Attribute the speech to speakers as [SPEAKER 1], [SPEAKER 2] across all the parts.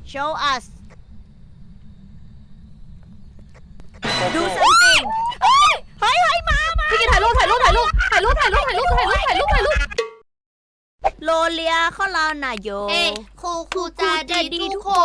[SPEAKER 1] show us do something เฮ้ยมา
[SPEAKER 2] พี่กินถ่ายรูป
[SPEAKER 1] โลเลียเข้าลานาโย
[SPEAKER 2] เอ้ครูใจดีทุกคน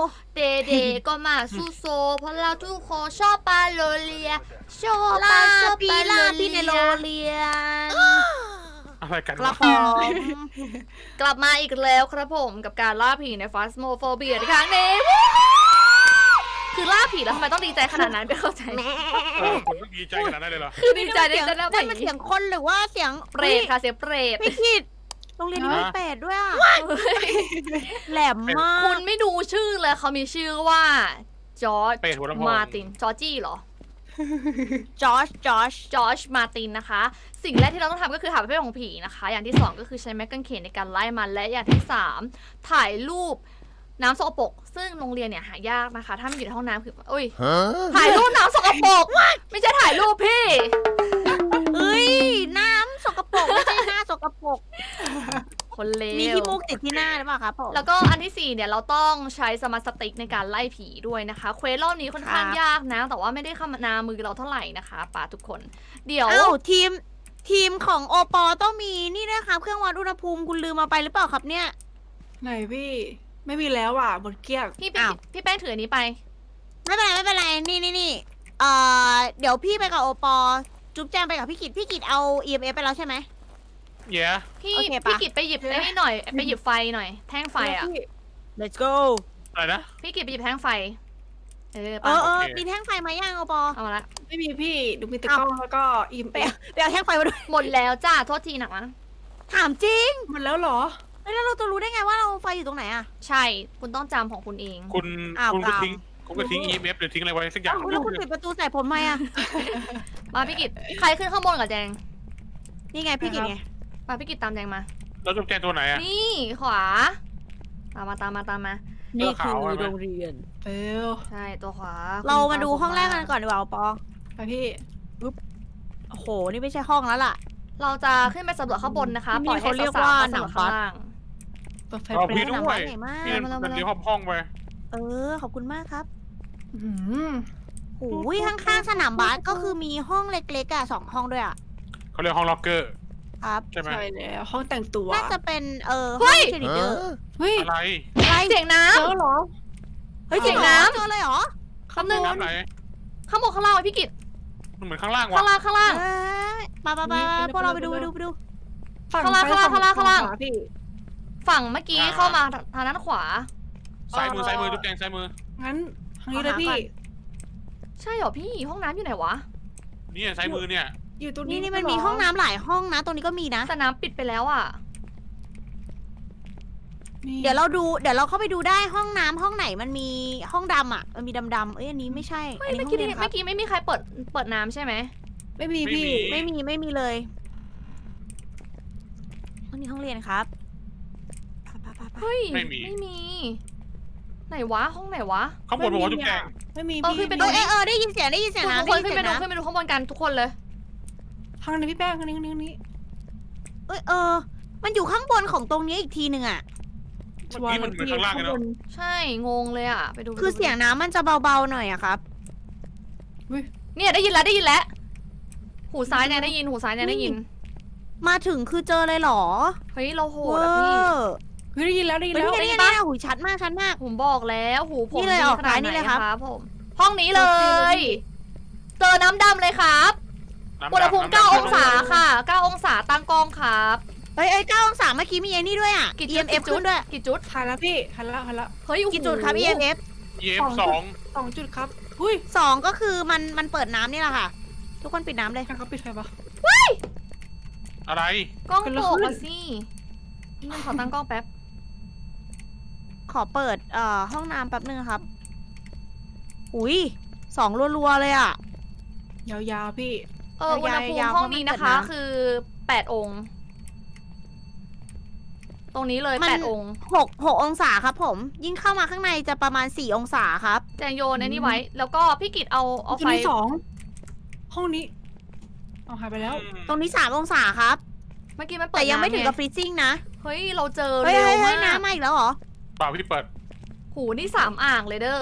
[SPEAKER 2] เดก็มาสู้โซเพราะเราทุกคนชอบปลาโลเลียชอบป
[SPEAKER 1] ลา
[SPEAKER 2] ลาชอบ
[SPEAKER 1] ปี
[SPEAKER 2] ปลา
[SPEAKER 1] ลา
[SPEAKER 2] โล
[SPEAKER 1] ปี
[SPEAKER 2] เลี
[SPEAKER 1] ในโล
[SPEAKER 2] ย
[SPEAKER 1] เลียน
[SPEAKER 3] อะไรกัน
[SPEAKER 1] กระ
[SPEAKER 3] วะ
[SPEAKER 1] ป๋อง
[SPEAKER 2] กลับมาอีกแล้วครับผมกับการล่าผีในฟาสโมโฟเบียในครั้งนี้คือล่าผีแล้วทำไมต้องดีใจขนาดนั้นไม่เข้าใจ
[SPEAKER 3] คุณต้องดีใจขนาดนั้นเลยเหรอ
[SPEAKER 2] คือดีใจได้
[SPEAKER 1] นั่น
[SPEAKER 2] ได้
[SPEAKER 1] มันเสียงคนหรือว่าเสียง
[SPEAKER 2] เปรตค่ะเสียงเปรต
[SPEAKER 1] ไม่ผิดโรงเรียนนี้มีเปรตด้วยอ่ะแหลมมาก
[SPEAKER 2] คุณไม่ดูชื่อเลยเขามีชื่อว่าจอร์จ
[SPEAKER 3] เป็ดหัวลำโพง
[SPEAKER 2] มาร์ตินจอร์จี้เหรอ
[SPEAKER 1] จอช
[SPEAKER 2] จอร์จมาร์ตินนะคะ สิ่งแรกที่เราต้องทำก็คือหาประเภทของผีนะคะ อย่างที่ 2 ก็คือใช้ไม้กางเขนในการไล่มันและอย่างที่ 3 ถ่ายรูปน้ำสกปรกซึ่งโรงเรียนเนี่ยหายากนะคะ ถ้ามันอยู่ในห้องน้ำคืออุ้ยถ่ายรูปน้ำสกปรกไม่ใช่ถ่ายรูปพี่
[SPEAKER 1] เอ้ยน้ำสกปรกไม่ใช่หน้าสกปรก
[SPEAKER 2] คนเล
[SPEAKER 1] มี
[SPEAKER 2] ว
[SPEAKER 1] ขี้มูกติดที่หน้าหรือเปล่าครับผม
[SPEAKER 2] แล้วก็อันที่ 4เนี่ยเราต้องใช้สมาร์ทสติ๊กในการไล่ผีด้วยนะคะเควสรอบนี้ค่อนข้างยากนะ แต่ว่าไม่ได้เข้ามานามือเราเท่าไหร่นะคะป่าทุกคน เดี๋ยว
[SPEAKER 1] เอ้าทีมของโอปอต้องมีนี่นะครับเครื่องวัดอุณหภูมิคุณลืมมาไปหรือเปล่าครับเนี่ย
[SPEAKER 4] ไหนพี่ไม่มีแล้วอ่ะหมดเกลี้ยง
[SPEAKER 2] พี่พี่แป้งถืออันนี้ไป
[SPEAKER 1] ไม่เป็นไรนี่เดี๋ยวพี่ไปกับโอปอจุ๊บแจงไปกับพี่กิจเอา EMF ไปแล้วใช่ไหม
[SPEAKER 3] เย้
[SPEAKER 2] พี่
[SPEAKER 1] โอเคปะ
[SPEAKER 2] พี่กิจไปหยิบไอ้นี่หน่อยไปหยิบไฟหน่อยแท่งไฟอ่ะ
[SPEAKER 4] พี่
[SPEAKER 1] let's go
[SPEAKER 3] อะไรนะ
[SPEAKER 2] พี่กิจไปหยิบแท่งไฟ
[SPEAKER 1] เอ
[SPEAKER 2] ไป
[SPEAKER 1] อ
[SPEAKER 3] โอเค
[SPEAKER 1] มีแท่งไฟมายังโอปอ
[SPEAKER 2] เอามาละ
[SPEAKER 4] ไม่มีพี่ดูมีแต่กล้องแล้วก็อิม
[SPEAKER 1] ไปเอาแท่งไฟมาด้วย
[SPEAKER 2] หมดแล้วจ้าโทษทีหนักนะ
[SPEAKER 1] ถามจริง
[SPEAKER 4] หมดแล้วเหรอ
[SPEAKER 1] แล้วเราจะรู้ได้ไงว่าเราไฟอยู่ตรงไหนอะ
[SPEAKER 2] ใช่คุณต้องจำของคุณเอง
[SPEAKER 3] คุณ
[SPEAKER 1] อ้าว
[SPEAKER 3] คุณก็
[SPEAKER 1] กรรม
[SPEAKER 3] ทิ้งคุณก็ทิ้ง EMF หรือทิ้งอะไรไว้สักอย่าง
[SPEAKER 1] อ้าวแล้วคุณปิดประตูใส่ผมไหมอะ
[SPEAKER 2] มาพี่กิจใครขึ้นข้างบนกับแจง
[SPEAKER 1] นี่ไงพี่กิจไง
[SPEAKER 2] มาพี่กิจตามแจงมา
[SPEAKER 3] แล้วจุ๊บแจงตัวไหนอะ
[SPEAKER 2] นี่ขวาตามมา
[SPEAKER 1] นี่คือ
[SPEAKER 3] ขาวๆ
[SPEAKER 1] โรงเรียน
[SPEAKER 4] เร็ว
[SPEAKER 2] ใช่ตัวขวา
[SPEAKER 1] เรามาดูห้องแรกกันก่อนดีกว่าโอปอ
[SPEAKER 4] ไปพี่
[SPEAKER 1] โอ้โหนี่ไม่ใช่ห้องแล้วล่ะ
[SPEAKER 2] เราจะขึ้นไปสำรวจข้างบนนะคะ
[SPEAKER 1] ที่นี่
[SPEAKER 2] ปล่อยให้
[SPEAKER 1] เขาเรียก
[SPEAKER 2] สาว
[SPEAKER 1] ว่า
[SPEAKER 2] ๆ
[SPEAKER 1] หนัง
[SPEAKER 2] สำรวจข้าง
[SPEAKER 1] บัส
[SPEAKER 2] ล่าง
[SPEAKER 4] เปิดไฟ
[SPEAKER 3] เอา
[SPEAKER 4] เปร
[SPEAKER 3] พี่
[SPEAKER 4] ย์
[SPEAKER 3] ด้
[SPEAKER 1] หนัง
[SPEAKER 3] ว
[SPEAKER 1] บ้าน
[SPEAKER 3] ย
[SPEAKER 1] ใหญ่มาก
[SPEAKER 3] พี่
[SPEAKER 2] มาแล้ว
[SPEAKER 3] เดี๋ยวห้องไป
[SPEAKER 1] ขอบคุณมากครับ
[SPEAKER 4] อื้อหือ
[SPEAKER 1] โอ้ยข้างๆสนามบาสก็คือมีห้องเล็กๆอ่ะ2 ห้องด้วยอ่ะ
[SPEAKER 3] เขาเรียกห้องล็อกเกอร์
[SPEAKER 1] ครับ
[SPEAKER 3] ใช่ไหม
[SPEAKER 4] ใช่แล้วห้องแต่งตัว
[SPEAKER 1] น่าจะเป็นห้องเชนิเดอร์
[SPEAKER 4] เฮ้ย
[SPEAKER 3] อะไร
[SPEAKER 1] อะไร
[SPEAKER 2] เสียงน้
[SPEAKER 4] เจอเหรอ
[SPEAKER 2] ำเฮ้ยเสียงน้
[SPEAKER 1] เจอเลยเหรอ
[SPEAKER 2] ำคำหนึ่ง
[SPEAKER 3] น้ำไหน
[SPEAKER 2] ข้างบนข้างล่างไว้พี่กิจ
[SPEAKER 3] มันเหมือนข้างล่าง
[SPEAKER 2] ข้าง
[SPEAKER 3] ว่ะ
[SPEAKER 2] ล่างข้างล่าง
[SPEAKER 1] มาพวกเราไปดู
[SPEAKER 4] ฝั่ง
[SPEAKER 2] ข้างล่าง
[SPEAKER 4] ซ้ย
[SPEAKER 2] ข้างล่าง
[SPEAKER 4] ฝั่
[SPEAKER 2] ข้างล่าง
[SPEAKER 4] ขวพี่
[SPEAKER 2] ฝั่งเมื่อกี้เข้ามาทางด้านขวา
[SPEAKER 3] ซ้ายมือจุ๊บแจงซ้ายมือ
[SPEAKER 4] งั้นทางนี้เลยพี่
[SPEAKER 2] ใช่เหรอพี่ห้องน้ำอยู่ไหนวะ
[SPEAKER 3] เนี่ยซ้ายมือเนี่ย
[SPEAKER 4] อยู่ตรงนี้
[SPEAKER 1] นี่มันมีห้องน้ำหลายห้องนะ ตรงนี้ก็มีนะ
[SPEAKER 2] แต่น้ำปิดไปแล้วอ่ะ
[SPEAKER 4] นี่
[SPEAKER 1] เดี๋ยวเราเข้าไปดูได้ห้องน้ำห้องไหนมันมีห้องดำอ่ะมันมีดำๆอันนี้ไม่ใช่
[SPEAKER 2] เฮ้
[SPEAKER 1] อั
[SPEAKER 2] ย
[SPEAKER 1] นนี้
[SPEAKER 2] เมื่อ
[SPEAKER 1] ห้อง
[SPEAKER 2] กี้
[SPEAKER 1] เรียนครั
[SPEAKER 2] เมื่
[SPEAKER 1] บ
[SPEAKER 2] อกี้ไม่มีใครเปิดน้ำใช่ไหม
[SPEAKER 4] ไม่มีพี่
[SPEAKER 1] ไม่มีเลยห้องนี้ห้องเรียนครับไป
[SPEAKER 2] เฮ้ย
[SPEAKER 3] ไม่มี
[SPEAKER 2] ไหนวะห้องไหนวะ
[SPEAKER 3] ข้างบนบอกว่าจุ๊บแจง
[SPEAKER 4] ไม่มี
[SPEAKER 2] เออ
[SPEAKER 4] พี่
[SPEAKER 2] ขึ้นไปดู
[SPEAKER 1] ได้ยินเสียง
[SPEAKER 2] ทุ
[SPEAKER 1] นะ
[SPEAKER 2] กคนขึ้นไปดูข้างบนกันทุกคนเลย
[SPEAKER 4] ทางนี้พี่แป้งทางนี้
[SPEAKER 1] มันอยู่ข้างบนของตรงนี้อีกทีหนึ่งอ่ะ
[SPEAKER 3] เมื่อกี้มันเหมือนข้างล่างเลยเนาะ
[SPEAKER 2] ใช่งงเลยอ่ะไปดู
[SPEAKER 1] คือเสียงน้ำมันจะเบาๆหน่อยอะครับ
[SPEAKER 2] เนี่ยได้ยินแล้วหูซ้ายเนี่ยได้ยินหูซ้ายเนี่ยได้ยิน
[SPEAKER 1] มาถึงคือเจอเลยเหรอ
[SPEAKER 2] เฮ้ยเราโหดอะพี่
[SPEAKER 4] เฮ้ยได้ยินแล้ว
[SPEAKER 1] เฮ้ย
[SPEAKER 2] ได้
[SPEAKER 1] นี่
[SPEAKER 2] ยิน
[SPEAKER 1] นี่
[SPEAKER 2] ปะ
[SPEAKER 1] หูชัดมาก
[SPEAKER 2] ผมบอกแล้วหูผม
[SPEAKER 1] นี่เลย
[SPEAKER 2] ดี
[SPEAKER 1] ออก
[SPEAKER 2] ขนาด
[SPEAKER 1] ซ้ายนี่
[SPEAKER 2] ไหน
[SPEAKER 1] เลยครับ
[SPEAKER 2] ครับผมห้องนี้เลย เจอน้ำดำเลยครับอุณหภูมิ9 องศาค่ะ9 องศาตั้งกล้องครับ
[SPEAKER 1] เฮ้ย9 องศาเมื่อกี้มีไอ้นี่ด้วยอ่ะ EMF ขึ้นด้วย
[SPEAKER 2] กี่จุด
[SPEAKER 4] ถ่ายแล้วพี่ถ่ายแล้ว
[SPEAKER 2] เฮ้ยโอ้โห
[SPEAKER 1] กี่จุดครับ EMF
[SPEAKER 3] เย็บสอง
[SPEAKER 4] 2 จุดครับหุ้ย
[SPEAKER 1] 2ก็คือมันเปิดน้ำนี่แหละค่ะ ทุกคนปิดน้ำเลย
[SPEAKER 4] ใครเขาปิดไฟปะ
[SPEAKER 3] อะไร
[SPEAKER 2] กล้อง
[SPEAKER 4] เกิดอะไร
[SPEAKER 2] โผล่
[SPEAKER 4] ขึ้น
[SPEAKER 2] มาสินี่มันขอตั้งกล้องแป๊บ
[SPEAKER 1] ขอเปิดห้องน้ำแป๊บนึงครับ อุ้ย2รัวๆเลยอ่ะ
[SPEAKER 4] ยาวๆพี่
[SPEAKER 2] อุณหภูมิ
[SPEAKER 1] ยาวๆ
[SPEAKER 2] ห้องนี้นะคะ
[SPEAKER 1] เพราะมันเปิดน้ำ
[SPEAKER 2] คือ8 องค์ ตรงนี้เลย
[SPEAKER 1] มัน
[SPEAKER 2] 8 องค์
[SPEAKER 1] 6 องศาครับผม ยิ่งเข้ามาข้างในจะประมาณ4 องศาครับ
[SPEAKER 2] แจงโยนไอ้นี่ไว้ แล้วก็พี่กิตเอา
[SPEAKER 4] ตร
[SPEAKER 2] ไฟ
[SPEAKER 4] งนี้2ห้องนี้เอาหายไปแล้ว
[SPEAKER 1] ตรงนี้3 องศาครับ
[SPEAKER 2] เมื่อกี้มันเปิด
[SPEAKER 1] แต่ยังไม่ถึงกับ
[SPEAKER 2] น้ำ
[SPEAKER 1] ฟรีซิ่งนะ
[SPEAKER 2] เฮ้ยเราเจอ
[SPEAKER 1] เฮ้ย
[SPEAKER 2] เร็ว
[SPEAKER 1] เฮ้
[SPEAKER 2] มาย ก
[SPEAKER 1] น้ำมาอีกแล้วเหรอ
[SPEAKER 3] เปล่าพี่เปิด
[SPEAKER 2] โหหูนี่3 อ่างเลยเด้อ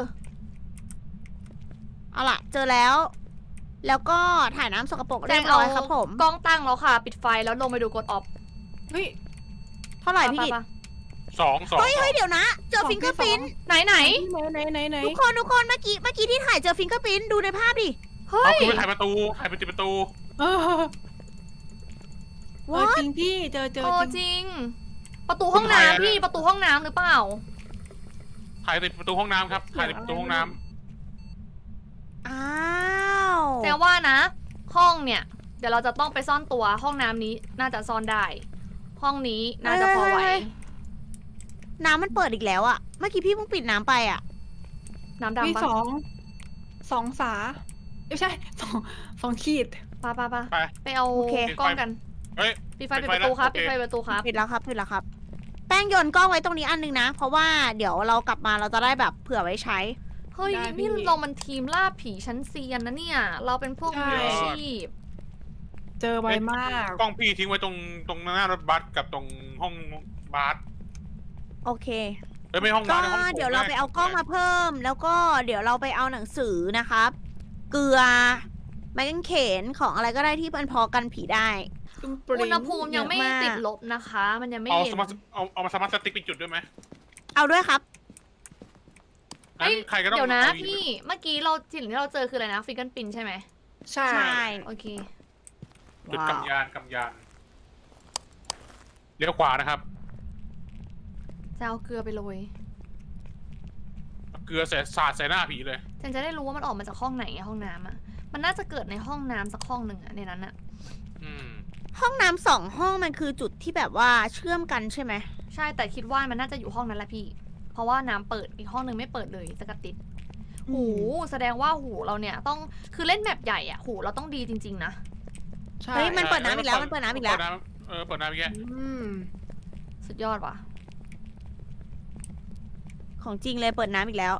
[SPEAKER 1] เอาล่ะ เจอแล้ว แล้วก็ถ่ายน้ำสกปรก
[SPEAKER 2] แจ
[SPEAKER 1] เรีย
[SPEAKER 2] ง
[SPEAKER 1] บ
[SPEAKER 2] เอา
[SPEAKER 1] ร้อยครับผม
[SPEAKER 2] กล้องตั้งแล้วค่ะ ปิดไฟแล้วลงไปดูกดออฟ
[SPEAKER 4] เฮ้ย
[SPEAKER 1] เท่าไหร่พี่กิต
[SPEAKER 2] ปะ
[SPEAKER 3] สอง
[SPEAKER 1] เฮ้ยเดี๋ยวนะ เจอฟิงเกอร์พิ้น
[SPEAKER 2] ไหน
[SPEAKER 4] ไหนไหน
[SPEAKER 1] ทุกคนเมื่อกี้ที่ถ่ายเจอฟิงเกอร์พิ้นดูในภาพดิ
[SPEAKER 2] เฮ้
[SPEAKER 3] เอา
[SPEAKER 2] ย
[SPEAKER 3] คุณไปถ่ายประตูถ่ายไปติดประตู
[SPEAKER 4] เออ
[SPEAKER 1] ว้า
[SPEAKER 4] จริงพี่เจอ
[SPEAKER 2] โอ้
[SPEAKER 4] จ
[SPEAKER 2] จ
[SPEAKER 4] ริง
[SPEAKER 2] ริง ประตูห้องน้ำพี่ประตูห้องน้ำหรือเปล่า
[SPEAKER 3] ถ่ายติดประตูห้องน้ำครับถ่ายติดประตูห้องน้
[SPEAKER 1] อ้าว
[SPEAKER 2] แต่ว่านะ ห้องเนี่ย เดี๋ยวเราจะต้องไปซ่อนตัวห้องน้ำนี้น่าจะซ่อนได้ ห้องนี้น่าจะพอไหว
[SPEAKER 1] น้ำมันเปิดอีกแล้วอะเมื่อกี้พี่เพิ่งปิดน้ำไปอะ
[SPEAKER 2] น้ำ
[SPEAKER 4] พี่
[SPEAKER 2] ดำปะ
[SPEAKER 4] สองฝาไม่ใช่สองขีด
[SPEAKER 2] ปะ
[SPEAKER 3] ำไป
[SPEAKER 2] ไปเอากล้องกัน
[SPEAKER 3] เฮ้ย
[SPEAKER 2] ปิดไฟปิดประตูครับ
[SPEAKER 3] โอเค
[SPEAKER 2] ปิดไฟประตูครับ
[SPEAKER 1] ปิดแล้วครับแป้งโยนกล้องไว้ตรงนี้อันนึงนะ เพราะว่าเดี๋ยวเรากลับมาเราจะได้แบบเผื่อไว้ใช้
[SPEAKER 2] เฮ้ย
[SPEAKER 4] ได้พี่
[SPEAKER 2] นี่เรามันทีมล่าผีชั้นเซียนนะเนี่ย เราเป็นพวก
[SPEAKER 4] ใช่
[SPEAKER 2] มืออาชีพ
[SPEAKER 4] เจอไวมาก
[SPEAKER 3] กล้องพี่ทิ้งไว้ตรงหน้ารถบัสกับตรงห้องบาส
[SPEAKER 1] โอเค
[SPEAKER 3] เอ้ยไม่ห้อง
[SPEAKER 1] ก็
[SPEAKER 3] บาสในห้องโถง
[SPEAKER 1] เดี๋ยวเราไปเอากล้องมาเพิ่ม แล้วก็เดี๋ยวเราไปเอาหนังสือนะครับ เกลือไม้กางเขนของอะไรก็ได้ที่มันพอกันผีได้
[SPEAKER 2] อุณหภูมิยังไม่
[SPEAKER 1] เยอะมาก
[SPEAKER 2] ติดลบนะคะ มันยังไม่
[SPEAKER 3] เอา
[SPEAKER 2] เย็
[SPEAKER 3] ส
[SPEAKER 2] น
[SPEAKER 3] มาร์ทเอามาสมาร์ทสติ๊กไปจุดด้วยไหม
[SPEAKER 1] เอาด้วยครับ
[SPEAKER 3] งั้นใครก็ต้อง
[SPEAKER 2] เดี๋ยวนะ
[SPEAKER 3] อาอีก
[SPEAKER 2] พี่ เมื่อกี้สิ่งที่เราเจอคืออะไรนะฟิกเกิลปินใช่ไหม
[SPEAKER 4] ใช่
[SPEAKER 1] ใช่
[SPEAKER 2] โอเค
[SPEAKER 3] จุดกำยานเลี้ยวขวานะครับ
[SPEAKER 2] จะเอาเกลือไปโรย
[SPEAKER 3] เกลือสาดใส่หน้าผีเลย
[SPEAKER 2] ฉันจะได้รู้ว่ามันออกมาจากห้องไหนอะห้องน้ำอะมันน่าจะเกิดในห้องน้ำสักห้องหนึ่งอะในนั้นอะ
[SPEAKER 3] อืม
[SPEAKER 1] ห้องน้ำ2 ห้องมันคือจุดที่แบบว่าเชื่อมกันใช่ไหม
[SPEAKER 2] ใช่แต่คิดว่ามันน่าจะอยู่ห้องนั้นแหละพี่ เพราะว่าน้ำเปิดอีกห้องหนึ่งไม่เปิดเลยสกัดติด หูแสดงว่าหูเราเนี่ยต้องคือเล่นแมปใหญ่อะหูเราต้องดีจริงๆนะ
[SPEAKER 4] ใช่
[SPEAKER 1] เฮ้ยมันเปิดน้ำอีกแล้วมันเปิดน้ำอีกแล้ว
[SPEAKER 3] เปิดน้ำอีกแล้ว
[SPEAKER 4] อืม
[SPEAKER 2] สุดยอดว่ะ
[SPEAKER 1] ของจริงเลยเปิดน้ำอีกแล้ว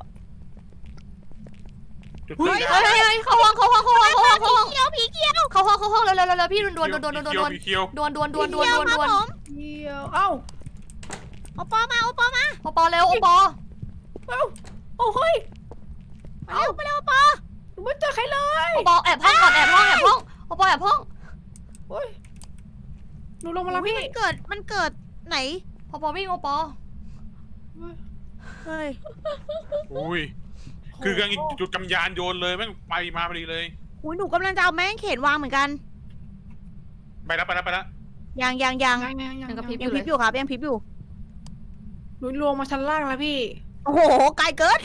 [SPEAKER 3] จุด
[SPEAKER 1] เฮ้
[SPEAKER 3] เกิ
[SPEAKER 1] ย
[SPEAKER 3] ด
[SPEAKER 2] เฮ้ยเฮ้ยเข้าห้องเข้าห้องเข้าห้องเข้าห้องเข้าห้อง
[SPEAKER 1] เขียวผีเขียว
[SPEAKER 2] เข้าห้องเร็วพี่ดวนดวน
[SPEAKER 3] ผีเขียว
[SPEAKER 2] ดวน
[SPEAKER 1] ผีเขียวครับผม
[SPEAKER 4] เดียวเอ้า
[SPEAKER 1] โอปอมา
[SPEAKER 2] โอปอเร็วโอปอ
[SPEAKER 4] โอ้เฮ้ย
[SPEAKER 1] ไปเร็วไปเร็วโอปอ
[SPEAKER 4] หนูไม่เจอใครเลย
[SPEAKER 2] โอปอแอบห้องก่อนแอบห้องโอปอแอบห้อง
[SPEAKER 4] โอ้ยหนูลงมาแล้ว
[SPEAKER 1] อุ๊ย
[SPEAKER 4] พี่
[SPEAKER 1] มันเกิดไหน
[SPEAKER 2] โอปอวิ่งโอปอ
[SPEAKER 1] เฮ้ย
[SPEAKER 3] อุ้ยคือกำลังจุดกำยานโยนเลยแม่งไปมาพอดีเลย
[SPEAKER 1] อุ้ยหนูกำลังจะเอาแม่งเขนวางเหมือนกัน
[SPEAKER 3] ไปแล้ว
[SPEAKER 1] ยัง
[SPEAKER 4] ยัง
[SPEAKER 2] ยังกระพริบอ
[SPEAKER 1] ยัง
[SPEAKER 2] ยู่
[SPEAKER 1] พ
[SPEAKER 2] เล
[SPEAKER 1] ริ
[SPEAKER 2] ย
[SPEAKER 1] บอยู่ครับยังพริบอยู่
[SPEAKER 4] หนูลงมาชั้นล่างแล้วพี่
[SPEAKER 1] โอ้โหไกลเกิน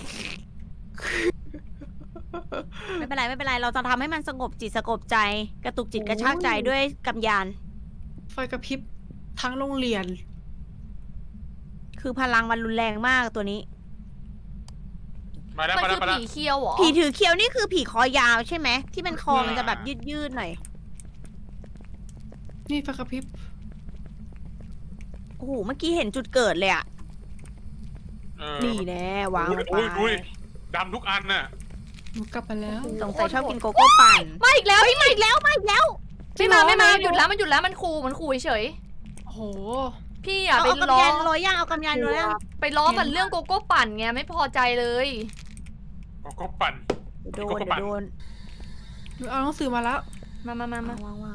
[SPEAKER 1] ไม่เป็นไรเราจะทำให้มันสงบจิตสงบใจ กระตุกจิตกระชากใจด้วยกำยาน
[SPEAKER 4] ไฟกระพริบทั้งโรงเรียน
[SPEAKER 1] คือพลังมันรุนแรงมากตัวนี้
[SPEAKER 3] มาแล้ว
[SPEAKER 2] มัน
[SPEAKER 3] มา
[SPEAKER 2] คื
[SPEAKER 3] แล้ว
[SPEAKER 2] อผีเคียวเหรอ
[SPEAKER 1] ผีถือเคียวนี่คือผีคอยาวใช่ไหมที่มันคอมันจะแบบยืดหน่อย
[SPEAKER 4] นี่ไฟกระพริบ
[SPEAKER 1] โอ้โหเมื่อกี้เห็นจุดเกิดเลยอะ นี่แน่วางไป
[SPEAKER 3] อุ้ยดำทุกอันน่ะ
[SPEAKER 4] หนูกลับมาแล้ว
[SPEAKER 1] สงสัยชอบกินโกโก้ปั่น
[SPEAKER 2] มาอีกแล้วพี่
[SPEAKER 1] มาอีกแล้ว
[SPEAKER 2] ไม่มาหยุดแล้วมันหยุดแล้วมันขู่เฉย
[SPEAKER 4] โอ้โห
[SPEAKER 2] พี่อย่า
[SPEAKER 1] เอา
[SPEAKER 2] ไป
[SPEAKER 1] กำ
[SPEAKER 2] ล้อ
[SPEAKER 1] ยันโรยย่างเอากำยันโรยย่าง
[SPEAKER 2] ไปล้อมันเรื่องโกโก้ปั่นไงไม่พอใจเลย
[SPEAKER 3] ก็ปั่น
[SPEAKER 1] โดน
[SPEAKER 3] โกโก้ปั่น
[SPEAKER 1] โดน
[SPEAKER 4] หนูเอาหนังสือมาแล้ว
[SPEAKER 2] มา
[SPEAKER 1] วาง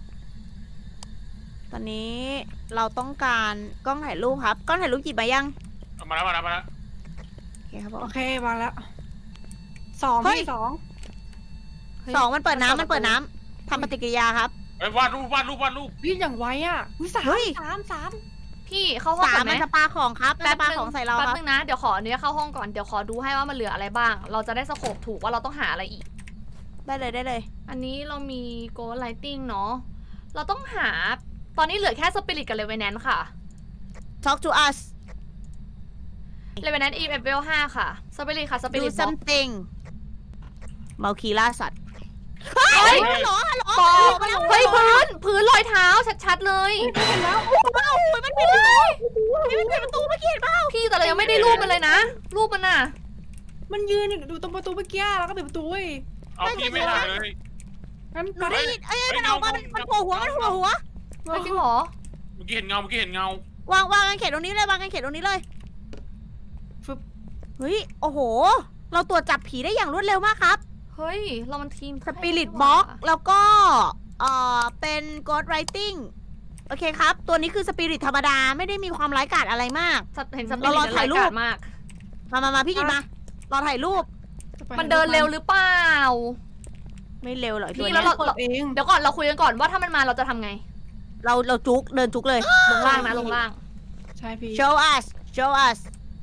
[SPEAKER 1] ตอนนี้เราต้องการกล้องถ่ายรูปครับกล้องถ่ายรูปหยิบมายัง
[SPEAKER 3] มาแล้ว
[SPEAKER 1] โอเคครับผม
[SPEAKER 4] โอเควางแล้วสอง
[SPEAKER 1] เฮ้ย
[SPEAKER 4] พี่สอง
[SPEAKER 1] สองมันเปิดน้ำทำปฏิกิริยาครับ
[SPEAKER 3] เอ้ยวาดรูป
[SPEAKER 4] พี่อย่างไวอ่ะอุ๊ยสาม
[SPEAKER 1] เฮ้ย
[SPEAKER 4] สาม
[SPEAKER 2] พี่เข้าห้อง
[SPEAKER 1] สา
[SPEAKER 2] ก่
[SPEAKER 1] ม
[SPEAKER 2] อนไหม
[SPEAKER 1] มันจะปาของครับมันจะปาของใส่เรา
[SPEAKER 2] แป๊บ
[SPEAKER 1] ครับ
[SPEAKER 2] นึงนะเดี๋ยวขอเนื้อเข้าห้องก่อนเดี๋ยวขอดูให้ว่ามันเหลืออะไรบ้าง เราจะได้สโคปถูกว่าเราต้องหาอะไรอีก
[SPEAKER 1] ได้เลย
[SPEAKER 2] อันนี้เรามีโกลไลติงเนาะเราต้องหาตอนนี้เหลือแค่สปิริตกับเลเวนแนนค่ะ
[SPEAKER 1] talk to us
[SPEAKER 2] เลเวนแนนอีเอฟเวล5ค่ะสปิริตค่ะสปิ
[SPEAKER 1] do
[SPEAKER 2] ริตบอก
[SPEAKER 1] something เมาคีล่าสัตว์
[SPEAKER 2] เฮ้ย
[SPEAKER 1] ฮัลโหล
[SPEAKER 2] ปอเฮ้ยพื้นรอยเท้าชัดๆเลย
[SPEAKER 1] มันปิดประตูมันปิดประตูเมื่อกี้เห็นป่ะ
[SPEAKER 2] พี่แต่เรายังไม่ได้รูปมันเลยนะ รูปมันน่ะ
[SPEAKER 4] มันยืนอยู่ตรงประตูเมื่อกี้แล้วก็ปิดประตูเว้ย
[SPEAKER 3] เอาพี่ไม่ได้เลย
[SPEAKER 4] งั้น
[SPEAKER 1] หนูได้ยินมันออกมามันโผล่หัว
[SPEAKER 2] เฮ้ยจริงเหรอ
[SPEAKER 3] เมื่อกี้เห็นเงา
[SPEAKER 1] วางกันเขตตรงนี้เลยวางกันเขตตรงนี้เลย
[SPEAKER 4] ฟึบ
[SPEAKER 1] เฮ้ย โอ้โห เราตรวจจับผีได้อย่างรวดเร็วมากครับ
[SPEAKER 2] เฮ้ย เรามันทีม
[SPEAKER 1] สปิริตบ็อกแล้วก็เป็น Ghost Writing โอเคครับ ตัวนี้คือสปิริตธรรมดาไม่ได้มีความร้ายกาจอะไรมาก
[SPEAKER 2] เห็นสปิริต
[SPEAKER 1] เราถ่ายรูป
[SPEAKER 2] มาก
[SPEAKER 1] มาพี่กินมา รอถ่ายรูป
[SPEAKER 4] จะไป
[SPEAKER 2] มันเดินเร็วหรือเปล่า
[SPEAKER 1] ไม่เร็วหรอกไอ้
[SPEAKER 2] พี่
[SPEAKER 1] ตัว
[SPEAKER 2] แล้
[SPEAKER 1] เนี้
[SPEAKER 2] ว
[SPEAKER 1] ย
[SPEAKER 2] เรา
[SPEAKER 4] เอง
[SPEAKER 2] เดี๋ยวก่อนเราคุยกันก่อนว่าถ้ามันมาเราจะทำไง
[SPEAKER 1] เราจุกเดินจุกเลย
[SPEAKER 2] ลงล่างนะลงล่าง
[SPEAKER 4] ใช่พี่
[SPEAKER 1] show us show us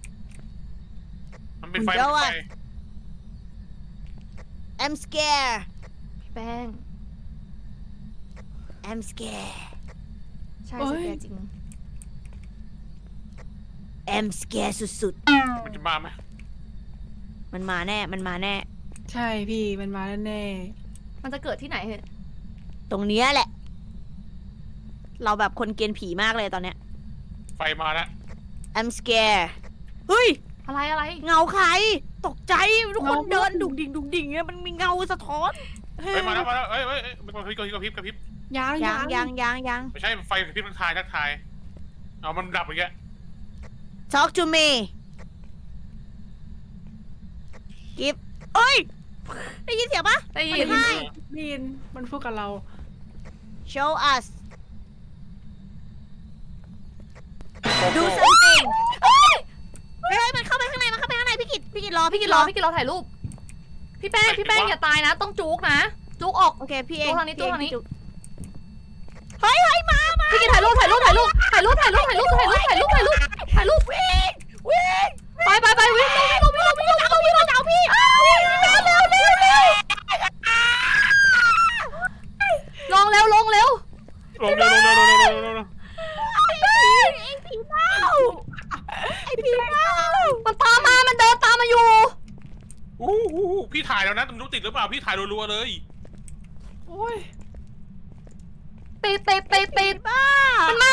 [SPEAKER 3] มันเป็นไฟ
[SPEAKER 1] เดี๋ยว
[SPEAKER 3] มัน
[SPEAKER 1] อะ
[SPEAKER 3] เป็นไฟ
[SPEAKER 1] I'm scared
[SPEAKER 2] พี่แป้ง
[SPEAKER 1] I'm scared
[SPEAKER 2] ใช่
[SPEAKER 4] เอ้
[SPEAKER 2] ส
[SPEAKER 4] ย
[SPEAKER 2] แกจริง
[SPEAKER 1] I'm scared สุด
[SPEAKER 3] มันจะมาไหม
[SPEAKER 1] ๆ มันมาแน่ มันมาแน่
[SPEAKER 4] ใช่พี่มันมาแน่
[SPEAKER 2] มันจะเกิดที่ไหนเหรอ
[SPEAKER 1] ตรงเนี้ยแหละ เราแบบคนเกลียนผีมากเลยตอนเนี้ย
[SPEAKER 3] ไฟมาแล้ว
[SPEAKER 1] I'm scared เฮ้ย
[SPEAKER 2] อะไรอะไร
[SPEAKER 1] เงาใคร ตกใจ ทุกคนเดินดุกดิ่งเนี่ยมันมีเงาสะท้อน
[SPEAKER 4] ๆ
[SPEAKER 3] เฮ้ยมาแล้วเอ้ยมันกระพริบกระพริบกระพริบ
[SPEAKER 4] ยัง
[SPEAKER 1] ยัง
[SPEAKER 3] ไม่ใช่ไฟกระพริบทักทายเอามันดับอย่างเงี้ย
[SPEAKER 1] talk to me กิฟเอ้ย ได้ยินเสียงปะ
[SPEAKER 2] ได้ยิ
[SPEAKER 1] มัน นให้
[SPEAKER 4] บินมันพูดกับเรา
[SPEAKER 1] show us do something เฮ้ยมันเข้าไปข้างในพี่กิจรอ
[SPEAKER 2] พี่กินรอถ่ายรูป พี่แป้งอย่าตายนะ ต้องจุกนะ จุกออก
[SPEAKER 1] โอเค พี่เอง
[SPEAKER 2] ตู้ทางนี้
[SPEAKER 1] พี่เอ
[SPEAKER 2] ตู้ทางนี้
[SPEAKER 1] พี่จุ๊บเฮ้ยมา
[SPEAKER 2] พี่กินถ่ายรูปวิ่งไปวิ่งเอาพี่ลงเร็ว
[SPEAKER 3] ลงเร็ว
[SPEAKER 1] ไอ้ผีเมา
[SPEAKER 2] มันตามมา มันเดินตามมาอยู่
[SPEAKER 3] พี่ถ่ายแล้วนะมันรู้ติดหรือเปล่าพี่ถ่ายรัวๆเลย
[SPEAKER 4] โอ้ย
[SPEAKER 2] ติด
[SPEAKER 1] บ้า
[SPEAKER 2] มันมา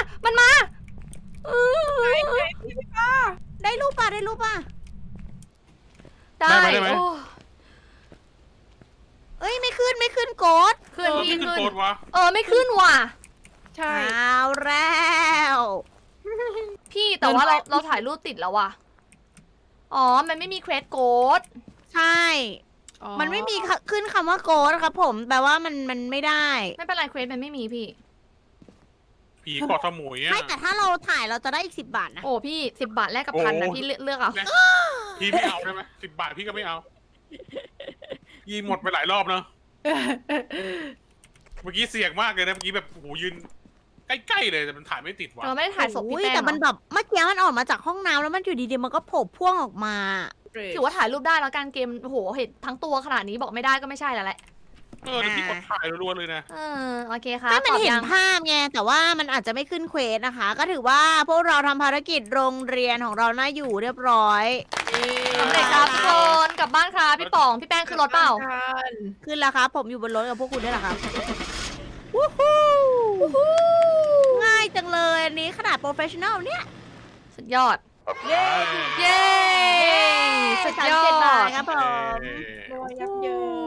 [SPEAKER 1] ได้รูปป่ะ
[SPEAKER 2] ได้
[SPEAKER 3] ได้ไหม
[SPEAKER 2] โอ้
[SPEAKER 1] เอ้ยไม่ขึ้นโกด
[SPEAKER 2] ขึ้น
[SPEAKER 3] พี่
[SPEAKER 2] พี่
[SPEAKER 3] ขึ้น
[SPEAKER 2] ขึ้น
[SPEAKER 3] โกดวะ
[SPEAKER 2] ไม่ขึ้นว่ะ
[SPEAKER 4] ใช่
[SPEAKER 1] เอาแล้ว
[SPEAKER 2] พี่แต่ว่าเราถ่ายรูปติดแล้วว่ะ อ๋อ มันไม่มีเควสโกด
[SPEAKER 1] ใช่
[SPEAKER 4] อ๋อ
[SPEAKER 1] มันไม่มีขึ้นคำว่าโกดครับผมแปลว่ามันไม่ได้
[SPEAKER 2] ไม่เป็นไรเควสมันไม่มีพี่
[SPEAKER 3] ผีเกาะสมุยอ่ะ
[SPEAKER 1] ไม่แต่ถ้าเราถ่ายเราจะได้อีก10 บาทนะ
[SPEAKER 2] โอ้พี่10 บาทแลกกับ1,000นะ
[SPEAKER 3] โอ้
[SPEAKER 2] พี่เลือกเอา
[SPEAKER 3] พี่ไม่เอาได้ไหม10 บาทพี่ก็ไม่เอายีหมดไปหลายรอบเนอะเมื่อกี้เสี่ยงมากเลยนะเมื่อกี้แบบโอ้โหยืนใกล้ๆเลยแต่มันถ่ายไม่ติดว่ะ
[SPEAKER 2] เราไม่ได้ถ่ายศพพี่
[SPEAKER 1] โอ้ย
[SPEAKER 2] แป้ง
[SPEAKER 1] แต่มัน
[SPEAKER 2] เหรอ
[SPEAKER 1] แบบเมื่อกี้มันออกมาจากห้องน้ำแล้วมันอยู่ดีๆมันก็โผล่พ่วงออกมา
[SPEAKER 2] ถือว่าถ่ายรูปได้แล้วการเกม โอ้โห เห็นทั้งตัวขนาดนี้บอกไม่ได้ก็ไม่ใช่แล้วแหละ
[SPEAKER 3] เดี๋ยวพี่กดถ่ายรัวๆเลยนะ
[SPEAKER 2] โอเคค่ะ
[SPEAKER 1] ให้มัน
[SPEAKER 2] ตอบ
[SPEAKER 1] เห็น
[SPEAKER 2] ยัง
[SPEAKER 1] ภาพไงแต่ว่ามันอาจจะไม่ขึ้นเควสนะคะ ก็ถือว่าพวกเราทำภารกิจโรงเรียนของเราน่าอยู่เรียบร้อย
[SPEAKER 2] สำเร็จครับทุกคนกลับบ้านค่ะพี่ป๋อง พี่แป้งขึ้นรถเปล่า
[SPEAKER 1] ขึ้นแล้วครับผมอยู่บนรถกับพวกคุณนี่แหละครับวู้ฮู้ง่ายจังเลยอันนี้ขนาดโปรเฟชชั่นอลเนี่ย
[SPEAKER 2] สุดยอด
[SPEAKER 1] เย้
[SPEAKER 2] เย้ สุดยอ
[SPEAKER 1] 37 บาท
[SPEAKER 2] ด
[SPEAKER 1] ครับผม
[SPEAKER 4] รวยยับเยิน